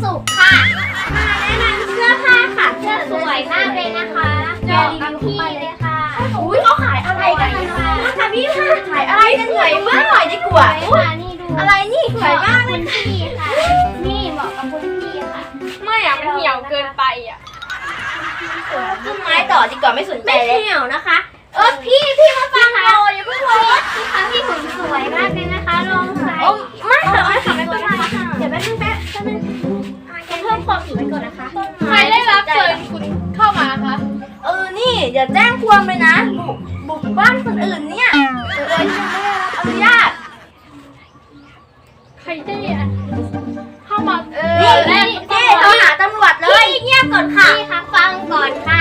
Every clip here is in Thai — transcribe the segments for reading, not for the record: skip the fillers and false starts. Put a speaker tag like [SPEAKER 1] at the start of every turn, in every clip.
[SPEAKER 1] สุขค่ะมาแนะนำเสื้อผ้าค่ะเสื้อสวยมากเลยนะคะเดี๋ยวรีวิวพี่เลยค่ะ
[SPEAKER 2] อุ้ยเขาขายอะไรกันนะคะพี่ค่ะขายอะไรกันสวยมากหน่อยดีกว่า
[SPEAKER 1] นี่ดู
[SPEAKER 2] อะไรนี่สวยมากเลย
[SPEAKER 1] พี่ค่ะนี่เหมาะกับคุณพี่ค่ะ
[SPEAKER 3] ไม่อะมันเหี่ยวเกินไปอะ
[SPEAKER 2] ต้นไม้ต่อดีกว่าไม่สนใจเลย
[SPEAKER 1] เหี่ยวนะคะพี่มาฟังเราอย่าเพิ่งโพสพี่คะพี่หุ่นสวยมากเลยนะคะลองใส่
[SPEAKER 2] ไม่ค่ะไม่เป็นไร
[SPEAKER 1] เดี๋ยวแป๊บนึงจะเพิ่มความผิวไปก่อนนะคะ
[SPEAKER 3] ใครได้รับเชิญคุณเข้ามาคะ
[SPEAKER 2] นี่อย่าแจ้งความเลยนะบุกบ้านคนอื่นเนี่ยฉันไม่ได้รับอนุญาต
[SPEAKER 3] ใครได้เข้ามา
[SPEAKER 2] นี่โทรหาตำรวจเลย
[SPEAKER 1] เงียบก่อนค่ะพี่คะฟังก่อนค่ะ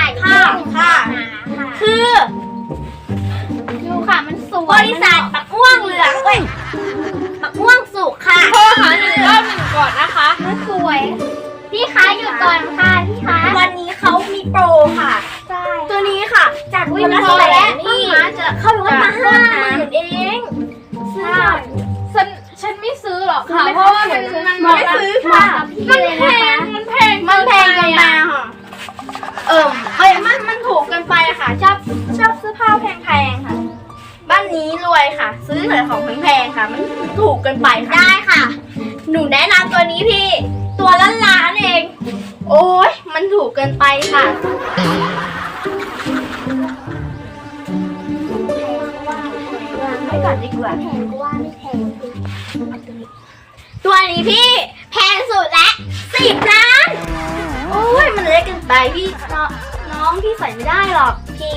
[SPEAKER 2] คือ
[SPEAKER 1] ดูค่ะมันสวย
[SPEAKER 2] บริษัทปักม่วงเหลืองปักม่วงสุกค่ะ
[SPEAKER 3] โทรหา191ก่อนนะคะ
[SPEAKER 1] มันสวยพี่คะหยุดก่อนค่ะพี่คะ
[SPEAKER 2] วันนี้เขามีโปรค่ะ
[SPEAKER 1] ใช่
[SPEAKER 2] ตัวนี้ค่ะจาก
[SPEAKER 1] วินโทรและนี่จะเข้าไปว่ามา50,000เอง
[SPEAKER 3] ซื้อฉันไม่ซื้อหรอกค่ะเพราะว่ามัน
[SPEAKER 2] ไม่ซื้อค่ะ
[SPEAKER 3] มันแพง
[SPEAKER 2] เกินไปค่ะมันถูกเกินไปค่ะชอบซื้อผ้าแพงๆค่ะบ้านนี้รวยค่ะซื้อแต่ของแพงๆค่ะมันถูกเกินไปค่ะ
[SPEAKER 1] ได้ค่ะหนูแนะนำตัวนี้พี่
[SPEAKER 2] ตัวละล้านเองโอ้ยมันถูกเกินไปค่ะไม่ก่อนดีกว่า
[SPEAKER 1] แพงก็ว่าไม่แพง
[SPEAKER 2] ตัวนี้พี่แพงสุดและ10 ล้านโอ้ยมันเล็กเกินไปพี่น้องพี่ใส่ไม่ได้หรอกพี่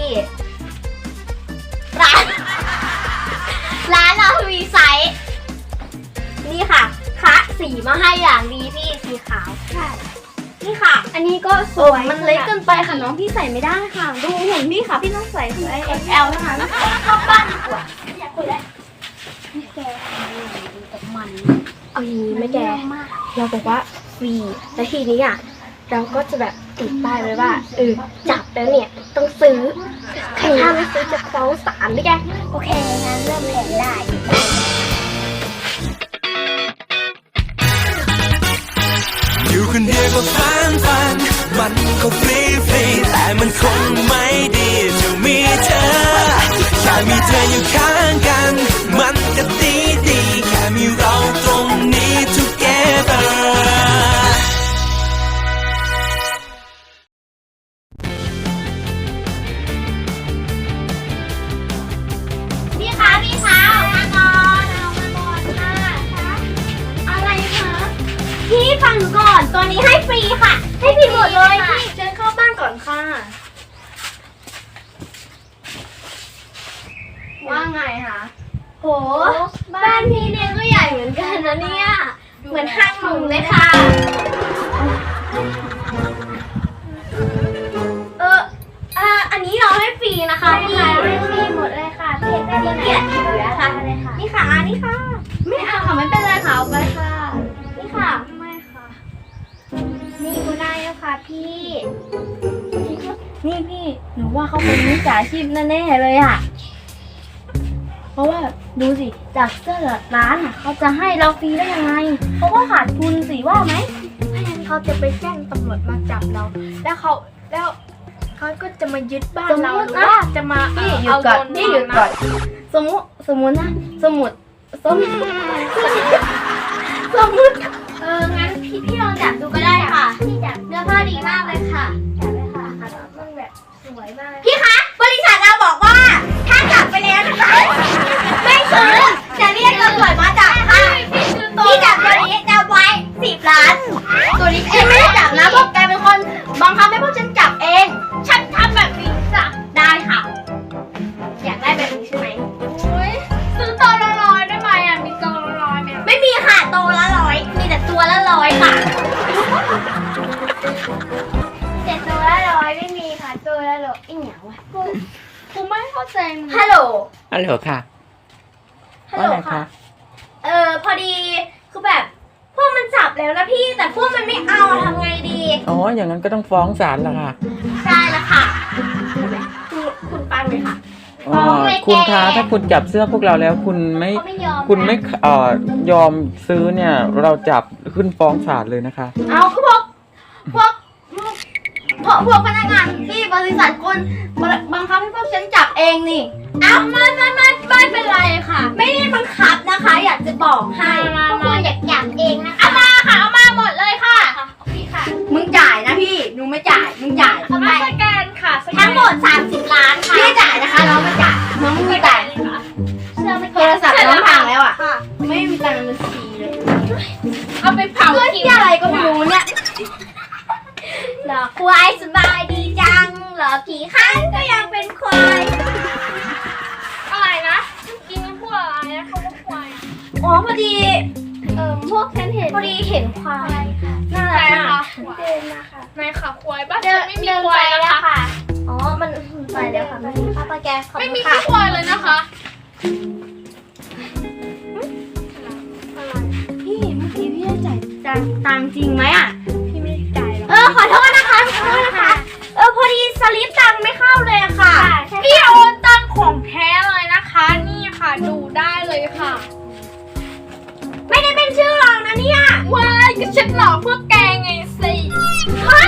[SPEAKER 2] ร้านเราวีไซส์นี่ค่ะคะสีมาให้อย่างดีพี่สีขาว
[SPEAKER 1] ใช่
[SPEAKER 2] นี่ค่ะ
[SPEAKER 1] อันนี้ก็สวย
[SPEAKER 2] มันเล็กเกินไปค่ะน้องพี่ใส่ไม่ได้ค่ะดูหุ่นพี่ค่ะพี่ต้องใส่ไซส์ XL นะคะเข้าบ้านดีกว่าอยากคุยแล้ว
[SPEAKER 1] แกดูแต่มัน
[SPEAKER 2] เอาอย่างนี้ไม่แกเราบอกว่าฟรีแต่ทีนี้เราก็จะแบบติดป้ายไว้ว่าจับแล้วเนี่ยต้องซื้อถ้าไม่ซื้อจะฟ้องศาลไม่แก
[SPEAKER 1] โอเคงั้นเริ่มแผนได้
[SPEAKER 4] อยู่คนเดียวก็ฟันมันก็ฟรีแต่มันคงไม่ดีจะมีเธอแค่มีเธออยู่ข้างกันมันก็ดีแค่มีเราตรงนี้ together
[SPEAKER 1] พี่คะออกมาก่อนค่ะอะไรคะ
[SPEAKER 2] พี่ฟังหนูก่อนตัวนี้ให้ฟรีค่ะให้ฟรีหมดเลยพี่เชิญเข้าบ้านก่อนค่ะว่าไงคะโหบ้านพี่เนี่ยก็ใหญ่เหมือนกันนะเนี่ยเหมือนห้างหนุ่มเลยค่ะอันนี้เราให้ฟรีนะคะพี่
[SPEAKER 1] ให้ฟรีหมดเลยค่ะพี่ได้ดีเกียรติเหลือค่ะเลยค่ะ
[SPEAKER 2] นี่ค่ะไม่เอาค่ะไม่เป็นไรค่ะเอาไปค่ะนี่ค่ะ
[SPEAKER 1] ไม่ค่ะนี่ก็ได้แล้วค่ะพี่
[SPEAKER 2] นี่หนูว่าเขาเป็นมิจฉาชีพแน่ๆเลยเพราะว่าดูสิจากเสื้อร้านเขาจะให้เราฟรีได้ยังไงเขาก็ขาดทุนสิว่าไหม
[SPEAKER 3] ถ้าอย่างนั้นเขาจะไปแจ้งตำรวจมาจับเราแล้วเขาก็จะมายึดบ้านเราหรือว่าจะมา
[SPEAKER 2] เอาเงินนี่หยุดก่อนสมมุตินะสมมุติ
[SPEAKER 1] งั้นพี่ลองจับดูก็ได้ค่ะพี่จับเนื้อผ้าดีมากเลยค่ะจับเลยค่ะมันแบบสวยมาก
[SPEAKER 2] พี่คะบริษัทเราบอกว่าถ้าจับไปแล้วนะคะไม่ซื้อจะเรียกตำรวจมาจับค่ะพี่จับตัวนี้จะไว้10 ล้านตัวนี้ฉันไม่ได้จับนะพวกแกเป็นคนบังคับให้พวกฉันจับเองฉันทำแบบนี้จ้ะได้ค่ะอยากได้แบบนี้ใช่ไหม
[SPEAKER 3] ซื้อตัวละ100ได้ไหมมีตัวละ100ไหม
[SPEAKER 2] ไม่มีค่ะตัวละ100มีแต่ตัวละ100ค่ะ
[SPEAKER 1] แต่ตัวละ100ไม่มีค่ะตัวละ100อีกอย่างวะ
[SPEAKER 3] กูไม่เข้าใจมึง
[SPEAKER 2] ฮัลโหล
[SPEAKER 5] ค่ะ
[SPEAKER 2] ฮัลโหลค่ะพอดีคือแบบพวกมันจับแล้วนะพี่แต่พวกมันไม่เอาทำไงดี
[SPEAKER 5] อย่างนั้นก็ต้องฟ้องศาลละค่ะ
[SPEAKER 2] ใช่ละค่ะคุณฟังเลยค่ะ
[SPEAKER 5] คุณคะถ้าคุณจับเสื้อพวกเราแล้วคุณไม่
[SPEAKER 1] เขาไม่ยอม
[SPEAKER 5] คุณไม่ยอมซื้อเนี่ย เราจับขึ้นฟ้องศาลเลยนะคะ
[SPEAKER 2] เอาคือพวกพนักงานที่บริษัทคุณบังคับให้พวกฉันจับเองนี่
[SPEAKER 1] เอาไม่เป็นไรค่ะ
[SPEAKER 2] ไม่ได้บังคับนะคะ อยากจะบอกให้
[SPEAKER 1] พวกคุณอยากจับเองนะคะเอามาค่ะเอามาหมดเลยค่ะพี่ค่ะ
[SPEAKER 2] มึงจ่ายนะพี่หนูไม่จ่ายมึงจ่าย
[SPEAKER 1] เอามาสแกนค่ะสแกน
[SPEAKER 2] ทั้งหมด30 ล้านค่ะพี่จ่ายนะคะน้องไม่จ่ายน้องไม่จ่าย
[SPEAKER 1] เสื้อไม่
[SPEAKER 2] โทรศัพท์น้องพังแล้วอ่ะไม่มีตังค์เป็นสีเลย
[SPEAKER 1] เอาไปเผา
[SPEAKER 2] เพื่อที่อะไรก็ไม่รู้เนี่ย
[SPEAKER 1] หลอกควายสบายดีจังหลอกกี่ครั้งก็ยังเป็นควายอะไรนะกินพวกอะไรนะเขาว่าควาย
[SPEAKER 2] อ๋อพอดี
[SPEAKER 1] พวกฉันเห็น
[SPEAKER 2] พอดีเห็นควายน่า
[SPEAKER 1] ใคร
[SPEAKER 2] รัก
[SPEAKER 1] คะ
[SPEAKER 2] มากเดินมาค่ะ
[SPEAKER 1] นายขาควายบ้าน
[SPEAKER 2] เดิ
[SPEAKER 1] ฉั
[SPEAKER 2] น
[SPEAKER 1] นไม่มี
[SPEAKER 2] เดิน
[SPEAKER 1] ควา
[SPEAKER 2] ไป
[SPEAKER 1] ย
[SPEAKER 2] แล้ว
[SPEAKER 1] นะคะ
[SPEAKER 2] ค่ะอ๋อมันไปแล้วค่ะมันป้าปาแกขอบ
[SPEAKER 1] ไม่
[SPEAKER 2] คุณ
[SPEAKER 1] มี
[SPEAKER 2] ค่ะ
[SPEAKER 1] ควายเลยนะคะ
[SPEAKER 2] พี่เมื่อกี้พี่ได้จ่ายตังค์จริงไหมอ่ะ
[SPEAKER 3] พี่ไม่ได้จ่ายหรอก
[SPEAKER 2] ขอโทษนะคะขอโทษนะคะพอดีสลิปตังค์ไม่เข้าเลยอะค่ะ
[SPEAKER 1] พี่โอนตังของแท้เลยนะคะ นี่ค่ะดูได้เลยค่ะ
[SPEAKER 2] ไม่ได้เป็นชื่อเรานะเนี่ย
[SPEAKER 1] ว้ายก็ฉันหลอกเพื่อแกไงสิ
[SPEAKER 2] เฮ้ย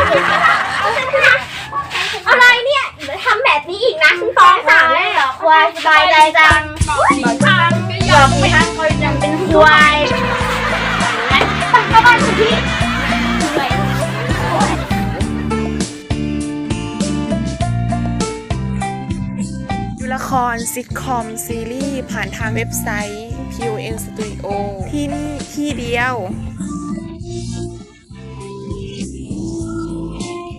[SPEAKER 2] อะไรเนี่ยเดี๋ยวทำแบบนี้อีกนะฉันฟ้องศาลแน่เหรอควายสบายใจจัง
[SPEAKER 1] บอกทางก็
[SPEAKER 2] ห
[SPEAKER 1] ย
[SPEAKER 2] ล
[SPEAKER 1] อ
[SPEAKER 2] อ
[SPEAKER 1] ม
[SPEAKER 2] กไปทั้งคนยังเป็นควายไปเข้าบ้านคุณพี่
[SPEAKER 6] ดูละครซิทคอมซีรีส์ผ่านทางเว็บไซต์ PON Studio ที่นี่ที่เดียว